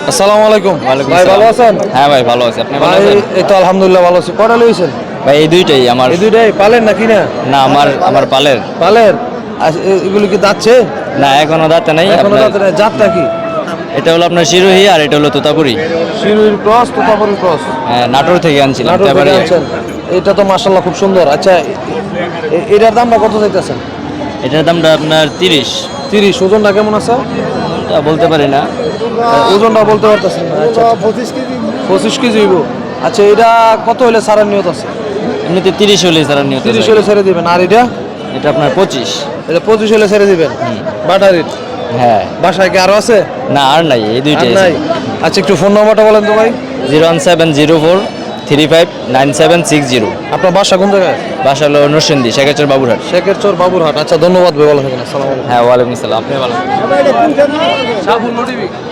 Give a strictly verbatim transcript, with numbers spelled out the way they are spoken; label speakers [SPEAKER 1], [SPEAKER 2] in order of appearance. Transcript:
[SPEAKER 1] আসসালামু আলাইকুম।
[SPEAKER 2] ওয়ালাইকুম
[SPEAKER 1] ভাই ভালো
[SPEAKER 2] আসসালাম।
[SPEAKER 1] আছেন?
[SPEAKER 2] হ্যাঁ ভাই ভালো আছি, আপনি ভালো
[SPEAKER 1] ভাই
[SPEAKER 2] আছেন?
[SPEAKER 1] এই তো আলহামদুলিল্লাহ ভালো আছি। কটা লইছেন?
[SPEAKER 2] ভাই এই দুইটাই আমার।
[SPEAKER 1] এই দুইটাই পালেন নাকি না?
[SPEAKER 2] না আমার আমার পালের।
[SPEAKER 1] পালের। আচ্ছা, এ- এগুলো কি দাচ্ছে?
[SPEAKER 2] না এখনো দাঁতে নাই
[SPEAKER 1] এখনো
[SPEAKER 2] আপনার।
[SPEAKER 1] দাঁতে নাই। জাতটা কি?
[SPEAKER 2] এটা হলো আপনার শিরোহী আর এটা হলো তোতাপুরি।
[SPEAKER 1] শিরুইর ক্রস, তোতাপুরির ক্রস।
[SPEAKER 2] হ্যাঁ, নাটোর থেকে আনছিলাম।
[SPEAKER 1] নাটোর থেকে
[SPEAKER 2] তেবাড়িয়া।
[SPEAKER 1] আনছেন। এটা তো মাশাআল্লাহ খুব সুন্দর। আচ্ছা, এ- এ- এটার দামটা কত চাইতেছেন?
[SPEAKER 2] এটার দামটা আপনার তিরিশ।
[SPEAKER 1] তিরিশ। ওজনটা কেমন আছে?
[SPEAKER 2] তা বলতে পারি না।
[SPEAKER 1] আহ, ওজনটা বলতে পারতেছেন না। আচ্ছা, পঁচিশ কেজি হইব। আচ্ছা, এটা কত হলে ছাড়ার নিয়ত আছে?
[SPEAKER 2] এমনিতে তিরিশ হলে তারা নিয়ত
[SPEAKER 1] তিরিশ
[SPEAKER 2] যায়।
[SPEAKER 1] হলে ছেড়ে দিবেন। আর এটা?
[SPEAKER 2] এটা আপনার পঁচিশ।
[SPEAKER 1] এটা পঁচিশ হলে ছেড়ে দিবেন। বাটারির
[SPEAKER 2] হ্যাঁ।
[SPEAKER 1] বাসায় কি আরো আছে?
[SPEAKER 2] না আর নাই, এই
[SPEAKER 1] আর
[SPEAKER 2] দুইটাই
[SPEAKER 1] নাই। আচ্ছা, একটু ফোন নাম্বারটা বলেন তো ভাই।
[SPEAKER 2] Zero one seven zero four three five nine seven six zero.
[SPEAKER 1] আপনার বাসা কোন জায়গায়?
[SPEAKER 2] বাসা হলো নরসিংদী, শেখাচর বাবুরহাট।
[SPEAKER 1] শেখের চর বাবুরহাট। আচ্ছা, ধন্যবাদ ভাই, ভালো থাকেন। আসসালামু আলাইকুম।
[SPEAKER 2] হ্যাঁ ওয়ালাইকুম আসসালাম, আপনি ভালো।